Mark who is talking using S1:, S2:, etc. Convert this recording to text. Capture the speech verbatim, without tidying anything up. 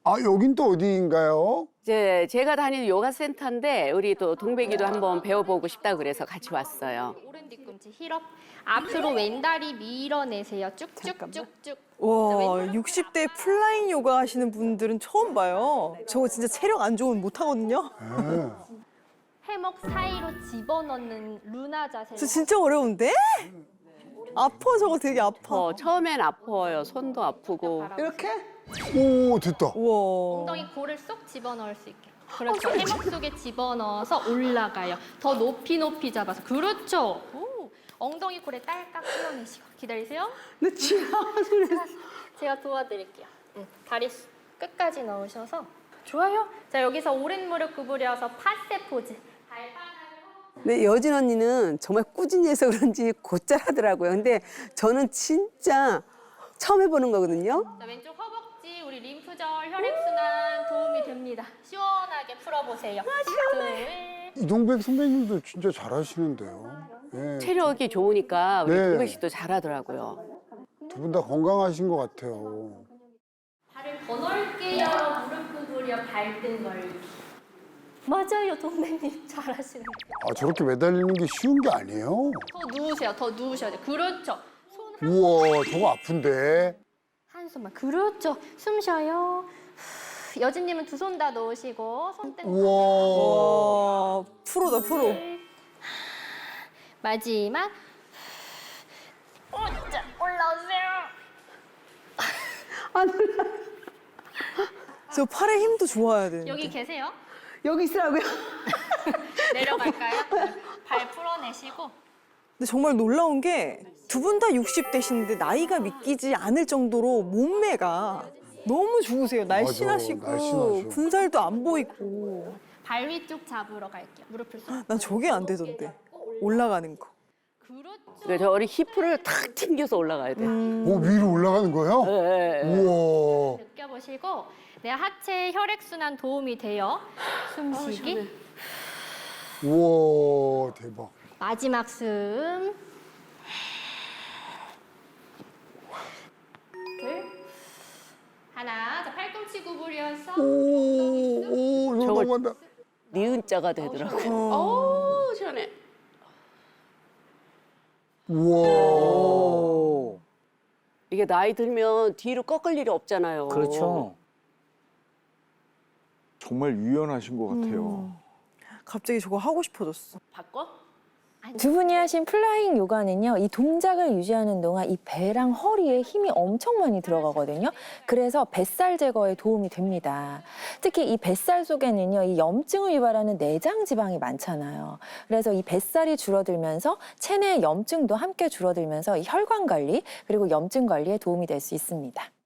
S1: 아, 여긴 또 어디인가요?
S2: 이제 제가 다니는 요가 센터인데 우리 또 동백이도 한번 배워보고 싶다 그래서 같이 왔어요.
S3: 오른 뒤꿈치 힐업. 앞으로 왼다리 밀어내세요. 쭉쭉쭉쭉.
S4: 와, 육십 대 플라잉 요가 하시는 분들은 처음 봐요. 저거 진짜 체력 안 좋으면 못 하거든요.
S1: 네.
S3: 해먹 사이로 집어넣는 루나 자세.
S4: 저 진짜 어려운데? 아파, 저거 되게 아파.
S2: 어, 처음엔 아파요. 손도 아프고.
S4: 이렇게?
S1: 오, 됐다.
S4: 우와.
S3: 엉덩이 골을 쏙 집어넣을 수 있게. 그렇죠. 해먹 속에 집어넣어서 올라가요. 더 높이 높이 잡아서. 그렇죠. 오. 엉덩이 골에 딸깍 끌어내시고. 기다리세요.
S4: 나 지나가 소리.
S3: 제가 도와드릴게요. 응. 다리 수- 끝까지 넣으셔서. 좋아요. 자, 여기서 오른 무릎 구부려서 파세 포즈. 발바닥을
S5: 네, 여진 언니는 정말 꾸준히 해서 그런지 곧잘 하더라고요. 근데 저는 진짜 처음 해보는 거거든요.
S3: 자, 왼쪽 허벅지, 우리 림프절, 혈액순환 도움이 됩니다. 시원하게 풀어보세요. 둘.
S1: 이동백 선배님도 진짜 잘하시는데요. 네.
S2: 체력이 좋으니까 우리
S1: 네.
S2: 동백 씨도 잘하더라고요.
S1: 두 분 다 건강하신 것 같아요.
S3: 발을 더 넓게 열어 무릎 구부려 발등 걸기. 맞아요, 동백님 잘하시는 거예요.
S1: 아, 저렇게 매달리는 게 쉬운 게 아니에요?
S3: 더 누우세요, 더 누우셔야 돼요. 그렇죠. 손 한,
S1: 우와, 저거 아픈데.
S3: 한손만. 그렇죠. 숨 쉬어요. 후, 여진님은 두 손 다 놓으시고 손등.
S1: 우와.
S4: 와, 프로다, 프로.
S3: 마지막. 오자, 올라오세요.
S4: 저 팔에 힘도 좋아야 되는데.
S3: 여기 계세요?
S5: 여기 있으라고요?
S3: 내려갈까요? 발 풀어내시고.
S4: 근데 정말 놀라운 게 두 분 다 육십 대신데 나이가 믿기지 않을 정도로 몸매가 너무 좋으세요. 날씬하시고
S1: 날씬하셔.
S4: 군살도 안 보이고.
S3: 발 위쪽 잡으러 갈게요. 무릎을 쏙.
S4: 난 저게 안 되던데. 올라가는 거.
S3: 그렇죠.
S2: 그러니까 저리 히프를 탁 튕겨서 올라가야 돼요.
S1: 오, 위로 올라가는 거예요?
S2: 네, 네.
S1: 우와.
S3: 느껴보시고 내 하체 혈액순환 도움이 돼요. 숨쉬기.
S1: 우와, 대박.
S3: 마지막 숨. 둘. 하나. 자, 팔꿈치 구부려서.
S1: 오, 오, 저거
S2: 저걸-
S1: 넘어간다.
S2: 니은 자가 되더라고요. 오, 시원해.
S1: 우와.
S2: 이게 나이 들면 뒤로 꺾을 일이 없잖아요.
S6: 그렇죠. 정말 유연하신 것 같아요.
S4: 음. 갑자기 저거 하고 싶어졌어.
S2: 바꿔?
S7: 두 분이 하신 플라잉 요가는요, 이 동작을 유지하는 동안 이 배랑 허리에 힘이 엄청 많이 들어가거든요. 그래서 뱃살 제거에 도움이 됩니다. 특히 이 뱃살 속에는요, 이 염증을 유발하는 내장 지방이 많잖아요. 그래서 이 뱃살이 줄어들면서 체내 염증도 함께 줄어들면서 이 혈관 관리 그리고 염증 관리에 도움이 될 수 있습니다.